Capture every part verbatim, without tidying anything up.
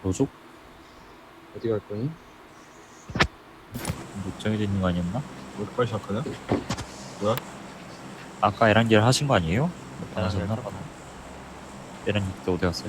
로족? 어디 갈 거니? 못 정해져 있는 거 아니었나? 왜 이렇게 빨리 시작하냐? 뭐야? 아까 에란겔 하신 거 아니에요? 안 하셨나? 에란겔 에란겔 때 어디 갔어요?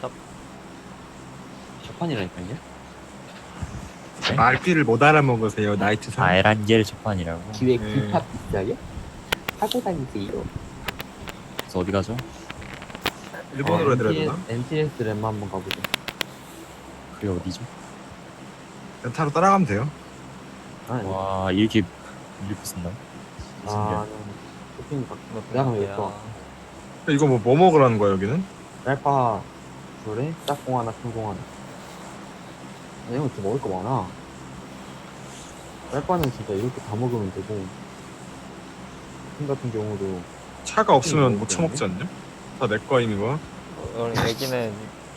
자판이라니까요? 네? 말귀를 못 알아먹으세요 나이트 사. 아 에란겔 첫판이라고? 기획 네. 힙합 비싸요? 하고 다니세요. 그래서 어디 가죠? 일본어로 해드려야 되나? 엔티에스 램 한번 가보자. 그게 어디죠? 렌타로 따라가면 돼요. 아, 와 이렇게 이렇게 쓴다고? 아, 쇼핑 가. 내가 가면 예뻐. 이거 뭐, 뭐 먹으라는 거야 여기는? 랄파 둘에 짝꿍 하나, 큰공 하나. 아, 이거 진짜 먹을 거 많아. 랄파는 진짜 이렇게 다 먹으면 되고. 큰 같은 경우도 차가 없으면 못 처먹지 않냐? 다 내 거임 이거. 우리 여기는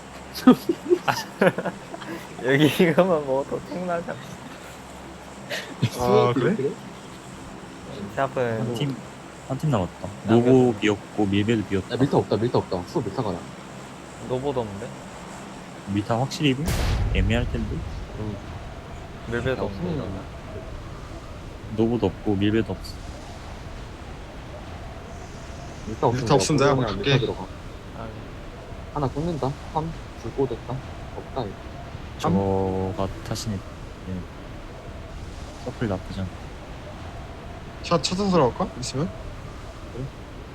여기 이거만 먹어도 탱나잖아. 아 그래? 샵은 팀 한 팀 남았다. 노보 비었고 밀베도 비었다. 야, 밀타 없다, 밀타 없다. 수 밀타 가나. 노보도 없는데? 밀타 확실히 입을? 애매할 텐데. 그럼 밀배도 야, 없는데. 없으면 노보도 없고 밀베도 없어. 밀타 없으면 밀타 없으면 내가 그냥 한번 밀타 갈게. 들어가. 아, 하나 끊는다. 삼 줄고 됐다. 없다 이거. 저거가 타시네. 네. 서플 나쁘지 않아. 차 찾아서 들어갈까? 있으면? 그래.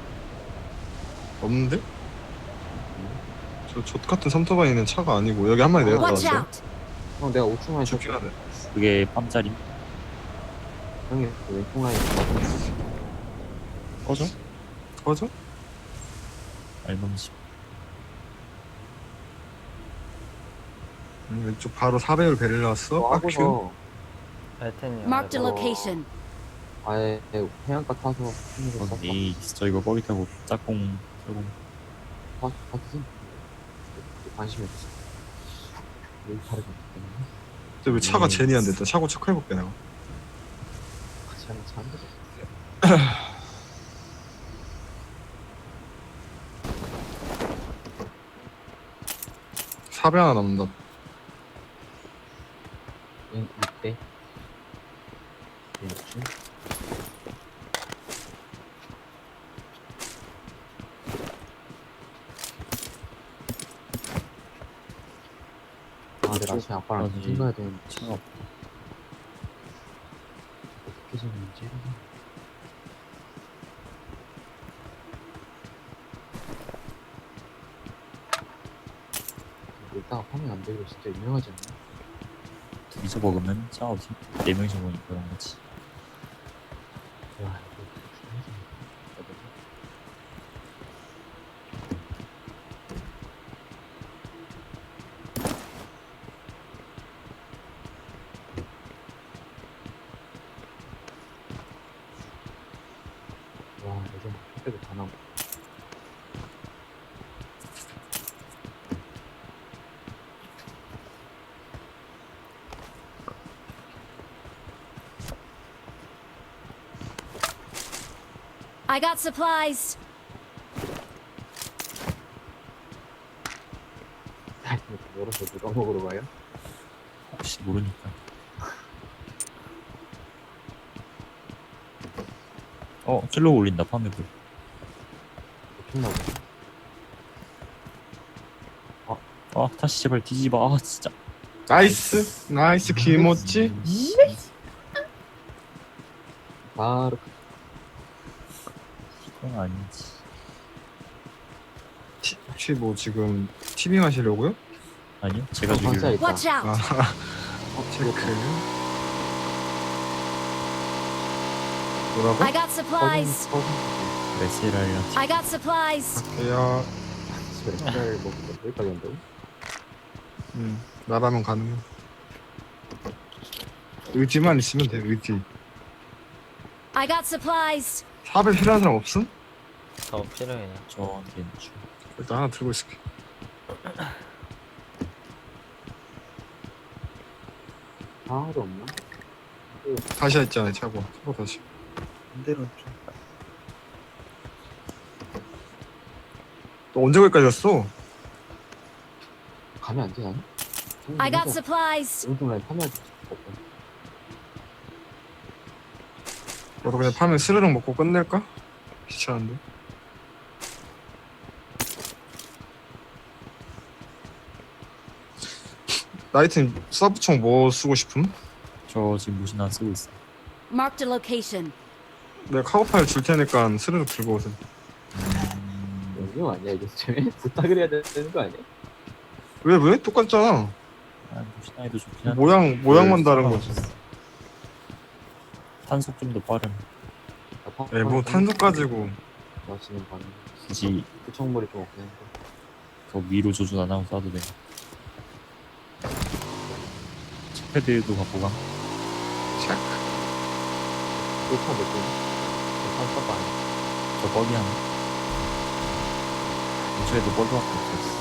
없는데? 저 족같은 삼토바이는 차가 아니고 여기 한 마리 Watch 내려가는데 out! 형 내가 우측 라인 죽긴 쳤어. 하네. 그게 빰짜리. 형이 그 왼쪽 라인 쳤어. 꺼져? 꺼져? 알범십. 음, 왼쪽 바로 사 배율 베릴 나왔어? 뭐 빡큐. 하고서 알텐이 Marked a 어. location. 아예 해안가 타서 힘으로 쐈다. 에이 저 이거 버기 타고 짝꿍 조금 파 파티즌 관심이 없어. 여기 다르게 없기 때문에 근데 왜 차가 음. 제니 안 됐다. 차고 체크해볼게 내가. 같이 하면 잘안 되죠. 사 배 하나 남는다. 이때 왼쪽 아 내가 아침에 아빠랑 어디? 점심 가야 되는데 차가 없- 어떻게 생겼는지 이따가 파면 안 되고 진짜 유명하지 않나? 둘이서 먹으면 차 어디? 네 명이서 먹으니까 그런 거지. 야 이거 중요하지 않나? 와 요즘 택배도 다 나오고 I got supplies. 열어서 누가 먹으러 가요? 혹시 모르니까. 어 킬로 올린다 파매불. 좋나 보네. 아 다시 제발 뒤집어. 아 진짜. 나이스. 나이스 기모찌. 바로 그건 아니지. 티- 혹시 뭐 지금 티빙 하시려고요? 아니요 제가 어, 주기로. 반사 있다. Watch out! 아 어, 체크. 이거 뭐라고? I got supplies. 메세라이랑 I got supplies. 야, 쌀 먹고 여기까지 한다고? 음, 나라면 가능해. 의지만 있으면 돼. 의지. I got supplies. 사 배 필요한 사람 없음? 더 필요해요. 저한테 주. 일단 하나 들고 있을게. 하나도 없나? 다시 있잖아 차고. 차고 다시. 반대로 좀 너 언제 거기까지 갔어? 가면 안 되나? I got supplies. 오른쪽 라인 파멸 없고. 나도 그냥 파면 스르륵 먹고 끝낼까? 귀찮은데. 나이트님 서브총 뭐 쓰고 싶음? 저 지금 무신 안 쓰고 있어. Marked a location. 내가 카고 파일 줄 테니까 스르륵 들고 오세요. 음, 여기 아니야 이게 쟤 부탁을 해야 되는 거 아니야? 왜 왜? 똑같잖아. 아, 무신 아이도 좋긴 한데. 모양 모양만 다른 거지. 탄속 좀 더 빠른. 에 뭐 탄속 가지고 마시는 반응. 굳이 구청물이 좀 없긴 한데. 더 위로 조준 안 하고 쏴도 돼. 패드도 갖고 가. 그차 몇 개? 삼사가 아니야. 저 뻑이 하나. 근처에도 뻘밖에 없었어.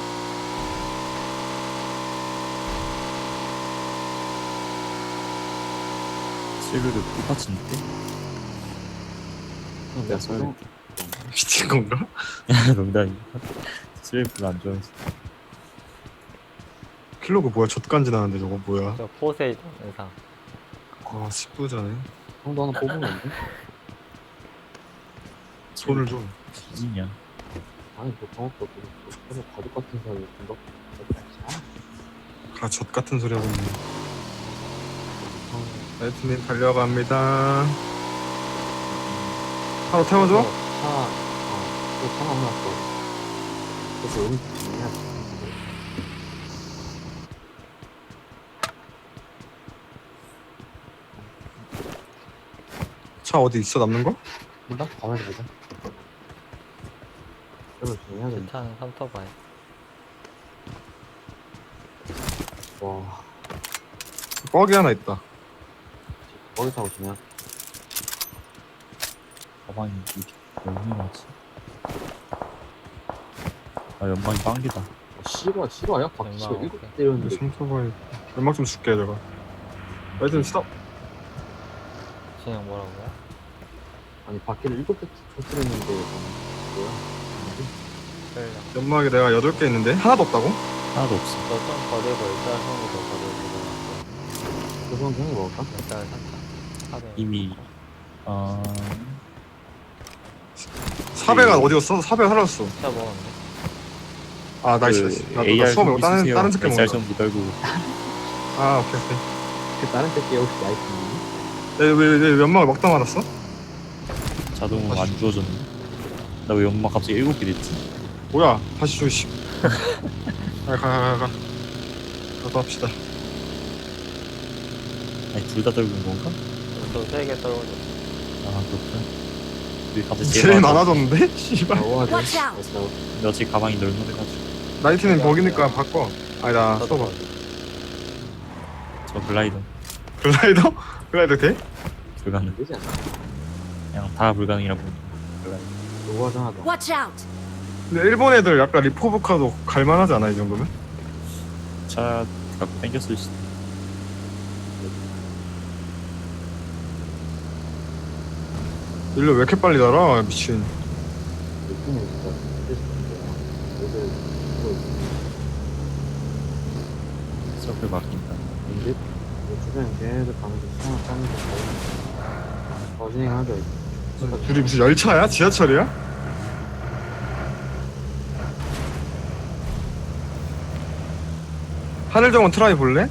실루도 똑같은데? 내가 써야 쏘 미친 건가? 농담이야. 실루를 안 좋아해서. 킬로그 뭐야? 젖간지 나는데 저거 뭐야? 저 포세이돈 의상. 아 십부자네. 형도 하나 뽑으면 안 돼? 손을 좀. 지진이야. 아니 그 방법도 없고 그래서 가족 같은 사람이 금방 아, 아 젖 같은 소리 하고 있네. 나이트님 달려갑니다. 바로 태워줘? 차, 어, 또 차가 나왔어. 그래서 여기 진행해야 돼. 차 어디 있어 남는 거? 몰라? 가만히 보자. 그래서 진행해야 돼. 괜찮은 삼터바이. 와, 뻑이 하나 있다. 거기 타고 진행. 가방이 이렇게 얼마나지? 아 연막이 빵기다. 실화, 실화야? 박씨가 얼마 일곱 없게. 때렸는데. 삼토바이 연막 좀 줄게 내가. 나이트님 스톱. 진영 뭐라고요? 아니, 바퀴를 일곱 대 터뜨렸는데, 뭐야? 끌려. 연막이 내가 여덟 개 있는데 하나도 없다고? 하나도 없어. 저좀 버리고 일단 손으로 더 버리고 그래서 형이 먹을까? 일단 살짝 하대. 이미 어... 사배가 어디 갔어? 사배가 사라졌어. 차 먹었는데. 아 나이스 그 나이스. 나도 나 에이알 수업 좀 말고 다른 있으세요. 다른 새끼 에스알 먹는다. 좀 묻어고. 아 오케이 오케이. 그 다른 새끼 혹시 나이트니? 왜왜 왜 연막을 막다 말았어? 자동으로 안 주워졌네. 나 왜 연막 갑자기 일곱 개 됐지? 뭐야? 다시 줘 씨. 가가가 가. 가도 합시다. 아니 둘 다 떨군 건가? 저세개 떨어져. 아 그렇구나. 왜 갑자기 제일 많아? 많아졌는데? 씨발. 나와야 돼. Watch out. 그래서 근데 어차피 가방이 널널해가지고. 나이트는 버기니까 바꿔. 아니다 써봐. 저 글라이더 글라이더? 글라이더 돼? 불가능. 안 되지 않나? 그냥 다 불가능이라고. 글라이더. 노화장 하다. Watch out. 근데 일본 애들 약간 리포브카도 갈만하지 않아 이 정도면? 차 갖고 땡겼을 수도. 일로 왜 이렇게 빨리 달아 미친. 느낌이 진짜 스트레스 받는데. 애들 이거 있어. 서클 바뀐다. 근데 뭐 주변에 걔네들 가면서 수영을 따면서 더 진행하자. 둘이 무슨 열차야? 지하철이야? 하늘정원 트라이 볼래?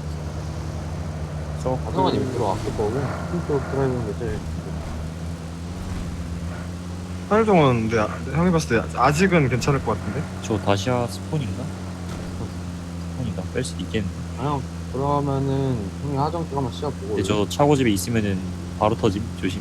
저 가성환이 밑으로 왔을 거고 핀쪽 드라이브는 몇 째? 하늘정원 근데 아- 형이 봤을 때 아직은 괜찮을 것 같은데? 저 다시아 스폰인가? 스폰인가? 뺄 수도 있겠는데. 그냥 그러면은 형이 하정 쪽 한번 시합보고. 근데 저 차고집에 있으면은 바로 터짐. 조심.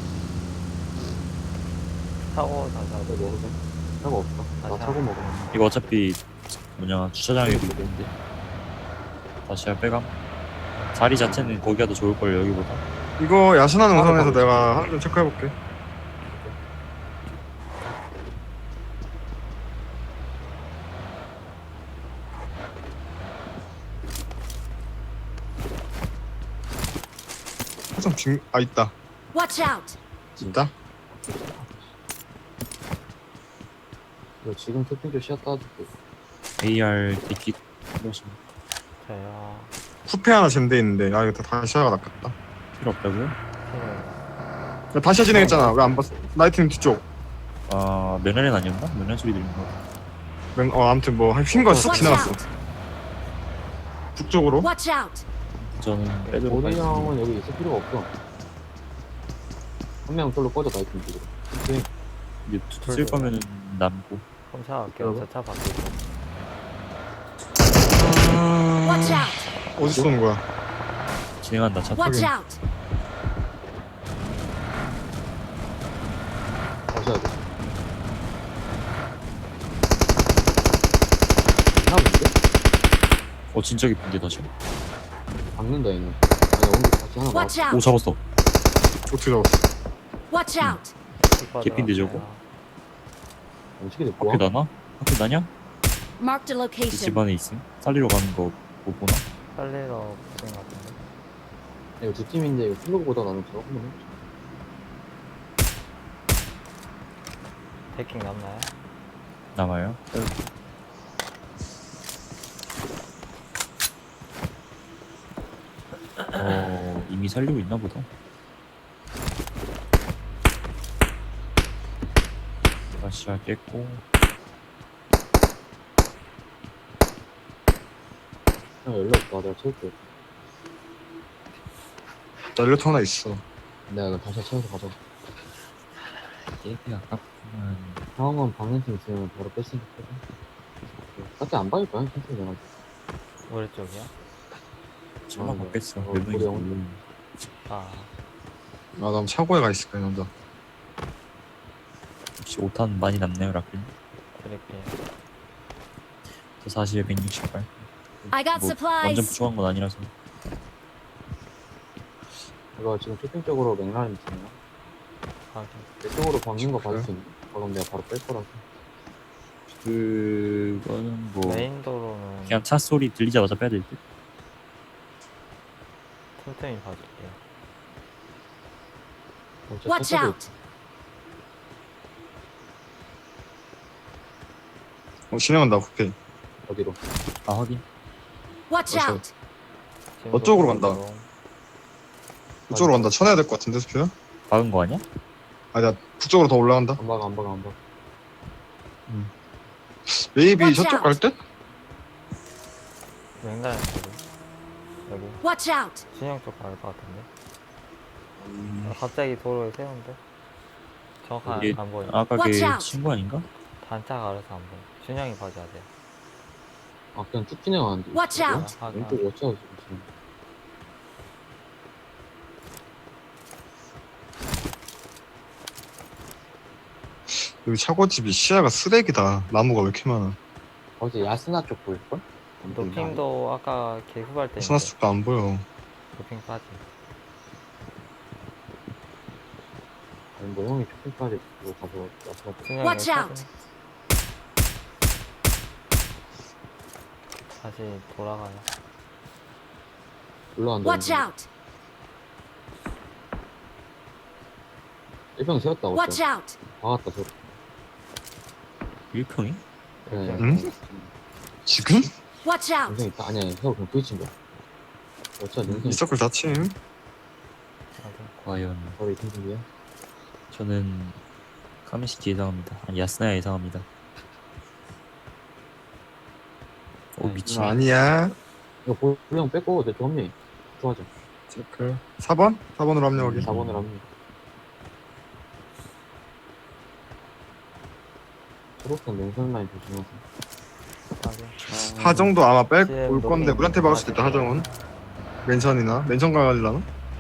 사고 다시 뭐 하고. 먹으자. 차가 없어. 나 다시 차고 먹어. 이거 어차피 뭐냐 주차장에도 있는데. 다시아 빼감. 자리 자체는 거기가 더 좋을 걸 여기보다. 이거 야신한 따로 우선에서 가보자. 내가 하늘정 체크해볼게. 화장 빙.. 아 있다. Watch out. 진짜? 이거 지금 토핑 쪽 시합 따줄게. 에이알 디킷 플러스 저요. 쿠페 하나 잼돼 있는데 아 이거 다 다시아가 낫겠다. 필요 없다고요? 필요해요. 야, 다시아 진행했잖아. 왜 안 봤어? 나이트님 뒤쪽. 아 면허는 아니었나? 면허 소리 들린 거 같아. 맨, 어 아무튼 뭐 휜거 쓱 Watch 지나갔어. out! 북쪽으로. Watch out! 저는 빼도록 보리 하겠습니다. 형은 여기 있을 필요가 없어. 한 명 솔로 꺼져 나이트 쪽으로. 오케이. 이제 투- 쓸 거면은 남고. 그럼 차 갈게요. 저 차 바뀌고. Watch out! 어디서 쏘는 거야? 진행한다. 차 Watch 타고. out! 다시 해야 돼. 하나인데? 어 진짜 깊은데 다시. 박는다 얘는. 아니 오늘 다시 하나 Watch 나왔어. 오 out! 잡았어. 어떻게 잡았어? Watch out! 개핀데, 저거? 어떻게 됐고? 학교 나나? 학교 나냐? Marked a 이 location. 집안에 있음. 살리러 가는 거 못 보나? 살리러 붙은 것 같은데. 이거 두 팀인데 이거 플로그보다 나는 저거 한번 해보자. 데킹 남나요? 남아요. 어 이미 살리고 있나 보다. 다시 깼고. 형 연락 와 내가 채울게. 나 일레터 하나 있어. 내가 이거 다시 채워서 가자. 이렇게 아깝구만. 상황은 박는 팀 있으면 바로 뺐으니까 빼자. 딱히 안 박을 거야 천천히 내가. 우리 쪽이야? 전화 아, 네. 바뀌었어. 어, 몇 명이 우리 모르 아, 아난 차고에 가 있을까 혼자. 혹시 오 탄 많이 남네요, 라필. 드릴게요. 저 사실 백육십팔. I got 뭐 완전 supplies. 부족한 건 아니라서. 이거 지금 쇼핑 쪽으로 맥라렌 있잖아. 확인. 이쪽으로 박는 거 받을 수 있나? 그럼 내가 바로 뺄 거라서. 그거는 뭐 메인 도로는 그냥 차 소리 들리자마자 빼야 될 듯. 틈틈이 봐줄게요. 어, 진짜 Watch 차도 out! 어 진행한다 쿠페. 있- 어디로? 아 확인. Watch 어서. out! 지금도 어쪽으로 간다. 도로. 북쪽으로 간다. 쳐내야 될 것 같은데 스피야? 박은 거 아니야? 아니야 북쪽으로 더 올라간다. 안 박아 안 박아 안 박아. 메이비 Watch 저쪽 out. 갈 듯? 맹가는 도로. 여기 Watch out! 준영 쪽 갈 것 같은데. 아, 갑자기 도로에 세운데. 정확한 이게 안 보여. 아까 Watch 걔 out. 친구 아닌가? 단차 가려서 안 보여. 준영이 봐줘야 돼요. 아 그냥 쭉 진행하는데. Watch 이쪽으로? out. 아, 왼쪽 워치아웃 지금. 여기 차고집이 시야가 쓰레기다. 나무가 왜 이렇게 많아. 어제 야스나 쪽 보일걸? 노핑도 아까 개구발 때 스나스 쪽도 안 보여. 노핑 빠지. 아니 뭐 형이 쇼핑까지 그거 가서 야스나 쪽. 준영이 Watch 여기 out. 사진. 다시 돌아가요. 올라간다. Watch out! 일평 세웠다. Watch 어째. out! 박았다 저. 일평이? 그래. 응? 지금? Watch out! 인생 있다. 아니야 세워 그냥 부딪힌 거야. 어쩌 인생 이 서클 다침. 확인. 과연 바로 이 팀이야. 저는 카멘시티 예상합니다. 아니 야스나야 예상합니다. 오 미친. 아니야. 이거 보리 형 뺏고 내쪽 합류. 좋아져. 서클 사 번? 사 번으로 합류하기. 사 번을 합류. 초록색 냉선 라인 조심하세요. 확인. 하정도 아마 뺄 씨엠 올 건데 너무 우리한테 박을 수도 있다. 하정은 맨션이나 맨션 가갈라나?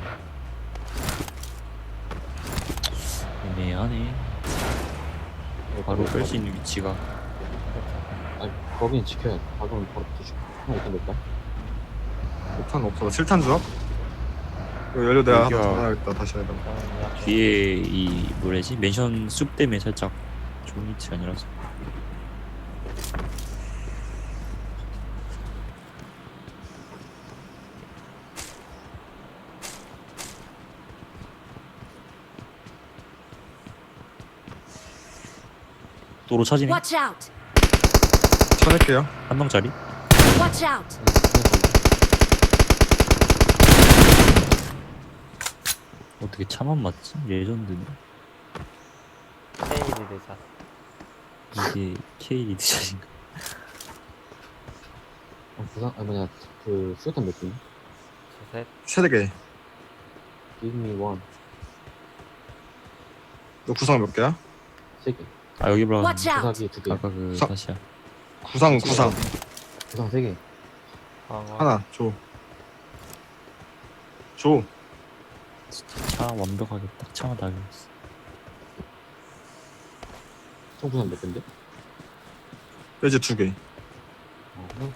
애매하네. 바로 뺄 수 있는 위치가. 아니 거긴 지켜야 돼. 가격은 바로 붙여줄게. 형 어떤 될까? 오 탄 없어. 칠 탄 줘. 이거 연료 내가 하나 여기가- 전화하겠다. 다시 해봐. 저는 약 뒤에 이 뭐래지 맨션 숲 때문에 살짝 좋은 위치 아니라서. 도로 차지네. Watch out! 쳐낼게요. 한 명짜리. Watch out! 응, 어떻게 차만 맞지? 레전드네. K 리드샷. 이게 K 리드샷인가? 어, 부상, 아, 뭐냐, 그, 수류탄 몇 개? 셋. 세 개. Give me one. 너 구상 몇 개야? 세 개. 아 여기 봐. Watch out! 부사기 두 개. 아까 그 사- 다시야. 구상 구상 부상 세 개. 방어. 하나 줘. 줘. 차 완벽하게 딱 차만 달렸어. 총 부상 몇 개인데? 이제 두 개. 어, 응.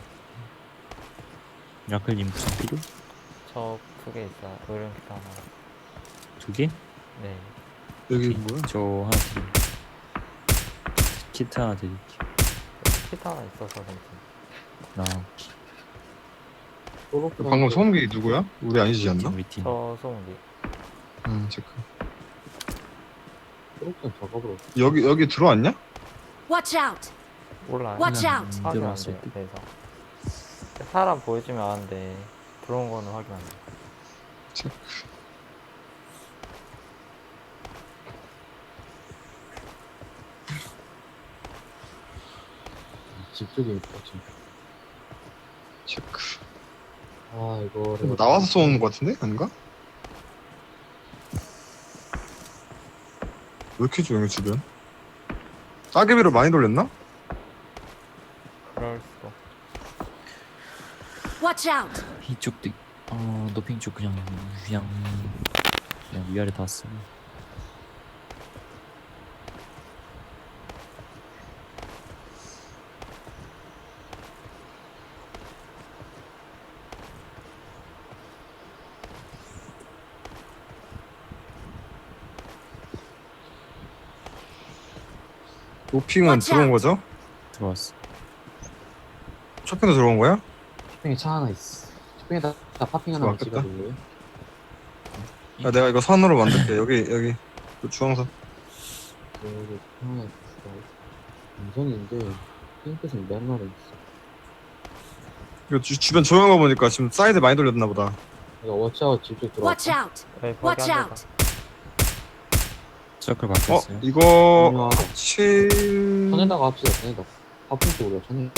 야클님 부상 필요? 저두 개 있어요. 의료용 기타 하나. 두 개? 네. 여기 뭐야? 저 하나 드릴게요. 키트 하나 드릴게요. 기타 하나 있어서 괜찮아. 나 소로 방금 소음기 누구야? 우리 아니지 않나? 우리 팀. 저 소음기. 응 체크. 소로탄 작업으로. 여기 여기 들어왔냐? Watch out! 몰라요. Watch 그냥 out! 안 확인 안 들어왔을 돼요. 때. 그래서 사람 보여주면 아는데 들어온 거는 확인 안 돼. 체크. 집 쪽에 있다, 지금. 체크. 아, 이거를. 뭐 나와서 쏘는 거 같은데? 아닌가? 왜 이렇게 조용해 주변? 따개비를 많이 돌렸나? 그럴 수도. Watch out! 이쪽도 어 노핑 쪽 그냥 그냥 그냥 위아래 다 쓰고. 노핑은 Watch 들어온 out. 거죠? 들어왔어. 쇼핑도 들어온 거야? 쇼핑에 차 하나 있어. 쇼핑에다 다 파핑 하나만 맞겠다. 찍어줄래요? 야 내가 이거 선으로 만들게. 여기 여기 그 주황선. 여기 하나 있어. 음성인데, 핑크색 몇 마리 있어. 이거 주, 주변 조용한 거 보니까 지금 사이드 많이 돌렸나 보다. 이거 워치아웃 집쪽 Watch 들어왔어. out! 여기 거기 Watch 한 out! 대다. 서클 어 바뀌었어요. 이거 이거 칠 천에다가 합시다, 천에다. 파핑 쪽으로 천에.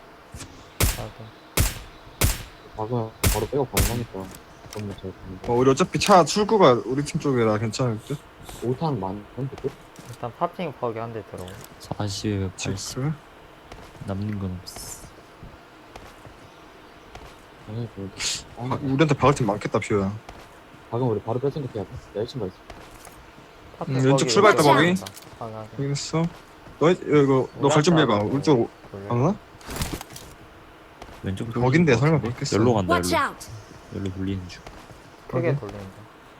박으면 바로 백업 가능하니까. 너무 잘 됩니다. 어, 우리 어차피 차 출구가 우리 팀 쪽이라 괜찮을 듯. 오 탄 많은데, 또? 일단 파핑 거기 한 대 들어오. 사십, 팔십 체크. 남는 건 없어. 아니, 그, 아, 아, 우리한테 박을 팀 많겠다 비오야. 박으면 우리 바로 뺄 생각해야 돼. 나 일 층 가 있어. 파핑 음, 왼쪽 거기 출발했다, 거기. 확인, 확인. 확인했어. 너 이거 너 갈 준비해봐. 우리 쪽 돌려. 가나? 왼쪽 거긴데 설마 같은데? 그렇겠어. 열로 간다. Watch 열로. out! 열로 돌리는 중. 크게 거기? 돌린다.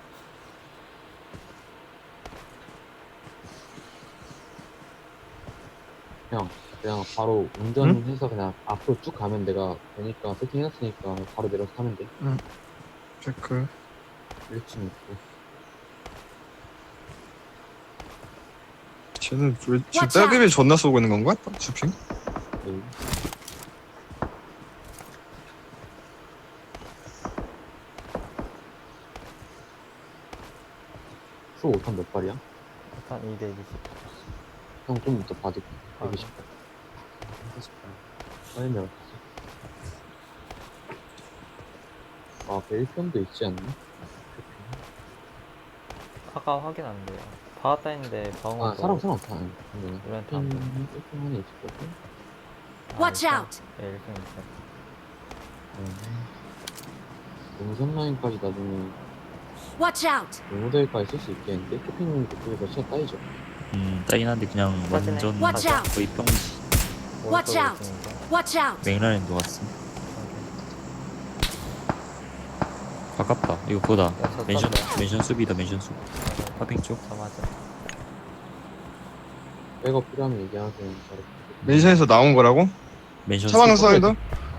그냥, 그냥 바로 운전해서 그냥 앞으로 쭉 가면 내가 되니까 세팅해놨으니까 바로 내려서 타면 돼. 체크. 일 층 있고. 쟤는 왜 지금 Watch out. 딸기비 존나 쏘고 있는 건가? 주핑? 네. 수 오 탄 몇 발이야? 일단 이 대 이십. 형 좀 이따 봐줄게. 아, 백이십 발. 빨리면 아, 벨편도 있지 않나? 아까 확인 안 돼요. 박았다 했는데 방어. 아, 사람, 사람 없다. 아니, 근데 이런 편, 다. 일 편 안에 있을 거고. Watch out! 네, 일 등 있어요. 용선 라인까지 나중에 Watch out! 모델까지 쓸 수 있겠는데? 쇼핑 그쪽에서 시야 따이죠. 음 따긴 한데 그냥 빠지네. 완전 Watch out! 거의 뻥이지. Watch 오른쪽으로 out. 있는 거. Watch out! 맥라렌도 왔어. 가깝다. 이거 그거다. 야, 저 멘션 떴어요. 멘션 수비다. 멘션 수비. 파핑 쪽. 저 맞아. 백업 필요하면 얘기하세요. 바로. 멘션에서 나온 거라고? 멘션 차방 수비. 사이드?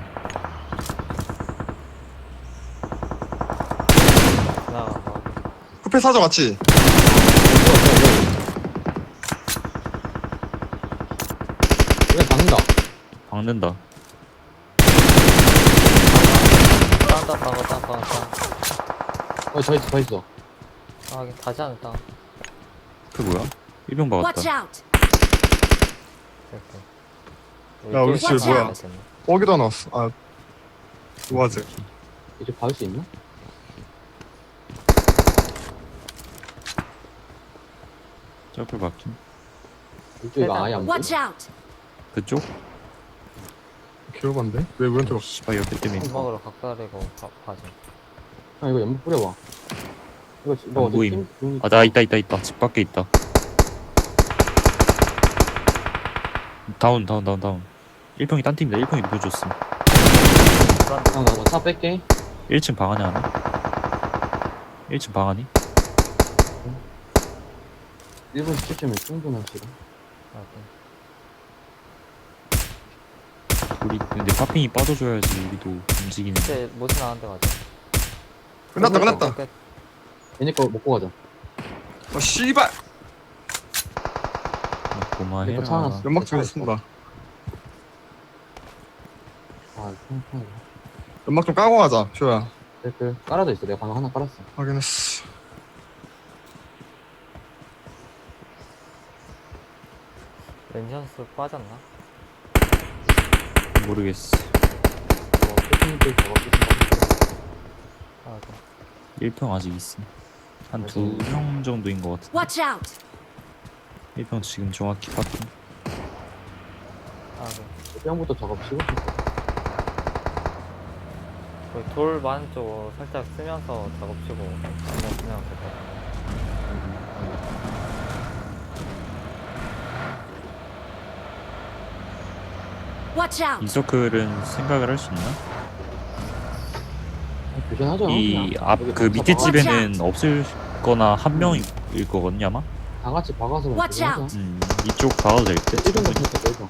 지나가고. 쿠페 사줘 같이. 왜 박는다? 박는다. 딴딴 박어, 딴딴 딴. 어, 저 있어, 저 있어. 아, 하긴 다시 하는 땅. 그 뭐야? 일병 박았다. Watch out! 이렇게. 야, 우리 집 뭐야? 뻐기도 나왔어. 아, 우아제. 이제 받을 수 있나? 쩔풀 박힌. 이쪽이 아예 안 보여. Watch out! 그쪽? 개오반데? 왜 우리한테 막 씨발 옆에 때문에. 먹으러 각다리고 가, 가지. 형 이거 연막 뿌려봐. 이거 너 안 어디 보임. 팀? 아, 나 있다, 있다, 있다. 집 밖에 있다. 다운, 다운, 다운, 다운. 일평이 딴 팀이다. 일평이 누구줬음. 형나차 뺄게. 일 층 방 안에 하나? 일 층 방 안에? 일 분 칠 초면 충분한 시간. 우리 근데 파핑이 빠져줘야지 우리도 움직이는. 이제 못이 나는데 가자. 끝났다, 끝났다. 끝. 얘네 거 먹고 가자. 아, 씨발! 고마해라. 이거 차 하나 연막 좀 쓴다. 아, 형, 연막 좀 까고 가자, 쇼야. 댓글 깔아져 있어. 내가 방금 하나 깔았어. 확인했어. 렌션스 빠졌나? 모르겠어. 어, 쇼핑들 작업 쇼핑 아, 그. 일 평 아직 있음. 한 두 평 정도인 것 같은데. Watch out! 일 평 지금 정확히 파핑. 아, 그. 쇼핑부터 작업 치고 싶어. 거의 돌 많은 쪽 살짝 쓰면서 작업치고 안면 쓰면 될 것 같아. Watch out! 인서클은 생각을 할 수 있나? 교전하자. 이 그냥. 앞 여기 그 다 밑에 박아. 집에는 없을 거나 한 명일 거거든요 아마. 다 같이 박아서 그냥 Watch 교전하자. out. 음 이쪽 가도 될 듯. 일병 같은 거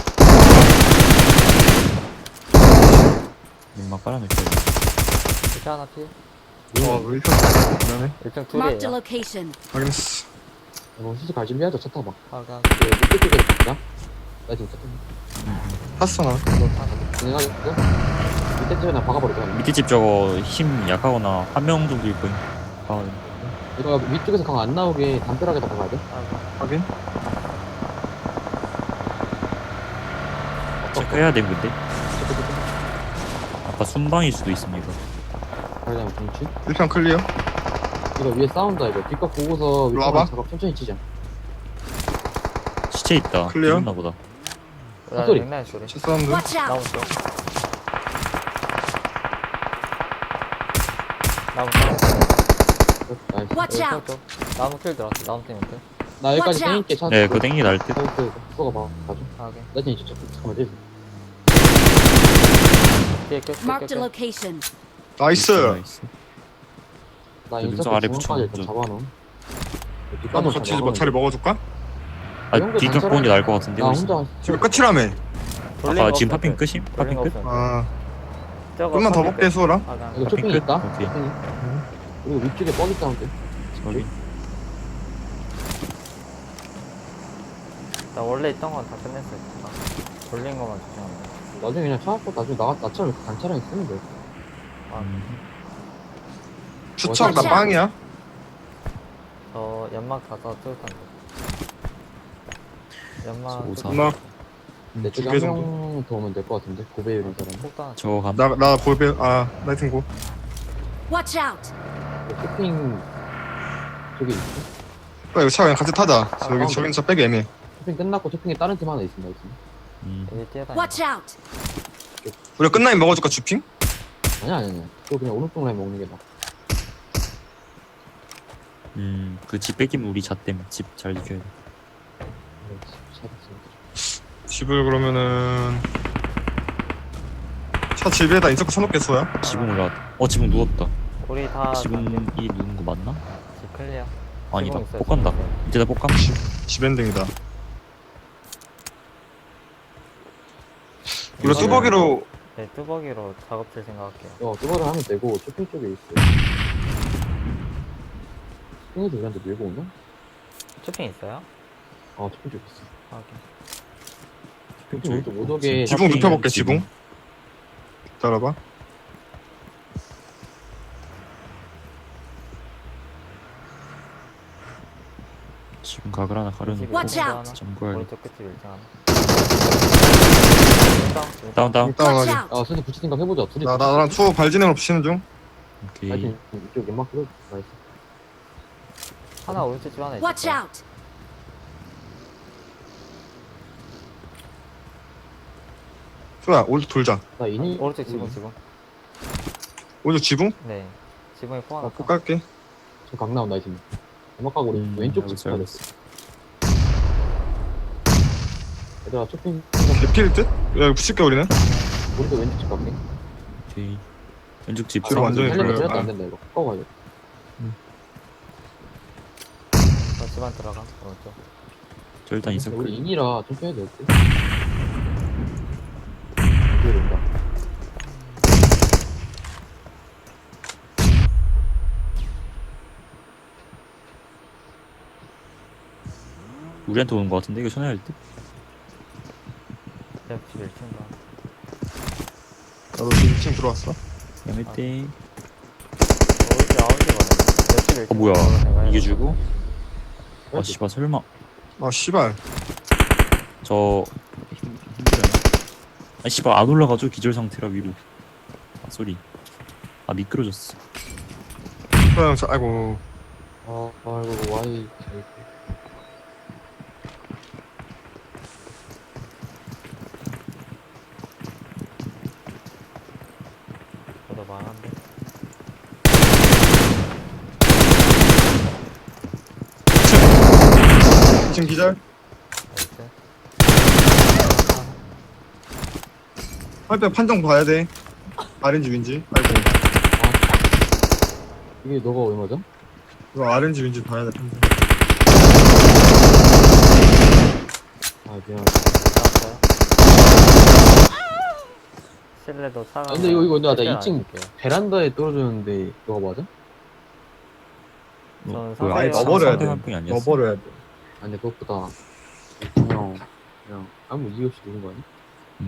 민망 깔아놓을게요. 이렇게 하나 피? 어, 왜 이렇게 미안해. 일등 Marked a 둘이에요. location. 확인했어. 이거 수술 갈 준비하자. 차 타봐. 아, 그냥 그 밑에 쪽에 있다. 나 지금 차 타봐. 탔어, 나. 내가 있어? 밑에 쪽에 나 박아버릴 거야. 밑에 집 저거 힘 약하거나 한 명 정도일 거임. 아, 이거 위쪽에서 강 안 나오게 담벼락에다 박아야 돼. 아, 확인. 체크해야 됨 근데. 아까 순방일 수도 있습니다. 가려면 동치. 일 편 클리어. 이거 위에 싸운다 이거. 뒷각 보고서 일로 와봐. 위쪽 작업 천천히 치자. 시체 있다. 클리어? 죽었나 보다. 나 소리. 맥라인 소리. 첫 사운드. Watch 나무 out! 쪽. 나무 쪽. 나이스. Watch 여기 out! 쪽. 나무 킬 들어왔어. 나무 때문에. 나 여기까지 Watch out. 땡길게. 차. 네, 그거 땡기 날 듯. 사이트 쏘가 봐. 가져. 아, 오케이. 나 지금 이쪽 잠깐만 떼줘. 뒤에 끝, 끝, 끝, Marked a 끝. location. 나이스. 나이스. 나 저 인사 능선 아래 중앙까지 붙여, 일단 저. 잡아놓음. 나도 같이 뭐 자리 먹어줄까? 아, 뒤각 보는 게 나을 것 같은데. 나 훨씬. 혼자 지금 끝이라며. 돌린 아까 거 지금 없을 파핑 때. 끝임? 돌린 파핑 거 끝? 없을 때. 아, 저거 좀만 더 파핑 먹게 끝. 수호라. 아, 그냥 이거 파핑 쇼핑 끝? 있다. 오케이. 쇼핑이. 그리고 위쪽에 뻐기 사운드. 저기. 나 원래 있던 건 다 끝냈어요. 다. 돌린 거만 조심하면 돼. 나중에 그냥 차 갖고 나중에 나 나처럼 이렇게 단차량 쓰면 돼. 아, 음, 추척 나 맞아. 빵이야. 저 연막 가서 뚜렷한데. 연막 오사. 연막. 내 쪽에 두 한 개 정도? 명 더 오면 될 것 같은데 고배율인 사람. 폭탄. 저거 감. 나, 나 골배, 아, 나이팅고. Watch out! 쇼핑 저기 있어. 야, 이거 차 그냥 같이 타자. 아, 저기, 가운데. 저긴 차 빼기 애매해. 쇼핑 끝났고 쇼핑에 다른 팀 하나 있습니다. 있습니다. 음. 여기 뛰어다니. Watch out! 우리가 끝나면 먹어줄까, 주핑? 아니야 아니야 아니야. 그거 그냥 오른쪽 라인 먹는 게 나아. 음, 그 집 뺏기면 우리 잣댐. 집 잘 지켜야 돼. 집을 그러면은. 차 집에다 인서클 쳐놓게 수야. 지붕 올라왔다. 어, 지붕 누웠다. 우리 다 지붕이 누운 거 맞나? 집 클리어. 아니다. 지붕 있어요, 못 간다. 지붕 있어요. 이제 나 볶감. 집 엔딩이다. 우리가 이거는- 뚜벅이로 네, 뚜벅이로 작업실 생각할게요. 어 그거를 하면 되고 쇼핑 쪽에 있어. 쇼핑에서 우리한테 밀고 오냐? 쇼핑 있어요? 어 쇼핑 쪽에 있어. 아, 오케이. 쇼핑 우리 못 오게. 지붕 쇼핑, 눕혀볼게, 지붕. 지붕. 기다려봐. 좀 각을 하나 가려놓고 Watch out. 점구할. 오른쪽 끝집 일 층 하나. 다운, 다운 다운. Watch 다운하게. out. 아 선생 붙일 생각 해보자. 둘이 나 나랑 투어 발진행으로 붙이는 중. 오케이. 하여튼 이쪽 연막 끌어. 나이스. 하나 오른쪽 집 하나 있을 Watch 거야. out. 투야 오른쪽 돌자. 나 이니. 오른쪽 지붕 지붕. 오른쪽 지붕? 네. 지붕에 포 하나. 어, 꼭 깔게. 저각 나온다 이 친구. 연막 가고 우리 음, 왼쪽 알고 집 있어, 가야 알고 돼. 있어. 얘들아 쇼핑 개필 듯? 야 이거 붙일게 우리는. 오른쪽 왼쪽 집 갈게. 오케이. 왼쪽 집. 뒤로 완전히 살려면 돌려요. 살려도 아. 안 된다 이거. 꺾어 가야 돼. 어, 집안 들어가. 오른쪽. 저 일단 있을 우리 거예요. 인이라 좀 빼야 돼. 어때? 이게 된다. 우리한테 오는 거 같은데 이거 전화할 때? 옆집 일 층 가. 나도 지금 이 층 들어왔어. 야매 때. 오른쪽 아웃집 가네. 옆집 일 층. 어 뭐야? 이게 주고? 아 씨발 설마. 아 씨발. 저 힘, 힘들어요. 아 씨발 안 올라가죠 기절 상태라 위로. 아 소리. 아 미끄러졌어. 투야 형, 자, 아이고. 아 아이고 와이. 저도 많은데. 이 층 기절. 나이스. 할때 판정 봐야 돼. 아렌지 윈지. 아이고. 이게 너가 얼마죠? 이거 아렌지 윈지 봐야 돼 판정. 아 미안. 나왔어요. 실내도 차가. 아, 근데 이거 이거 나 이 층 베란다에 떨어졌는데 너가 맞아? 저는 그 상대 아예 넣어버려야 상대 돼. 한 분이 아니었어. 넣어버려야 돼. 아 근데 그것보다 그냥 그냥 아무 이유 없이 누른 거 아니야?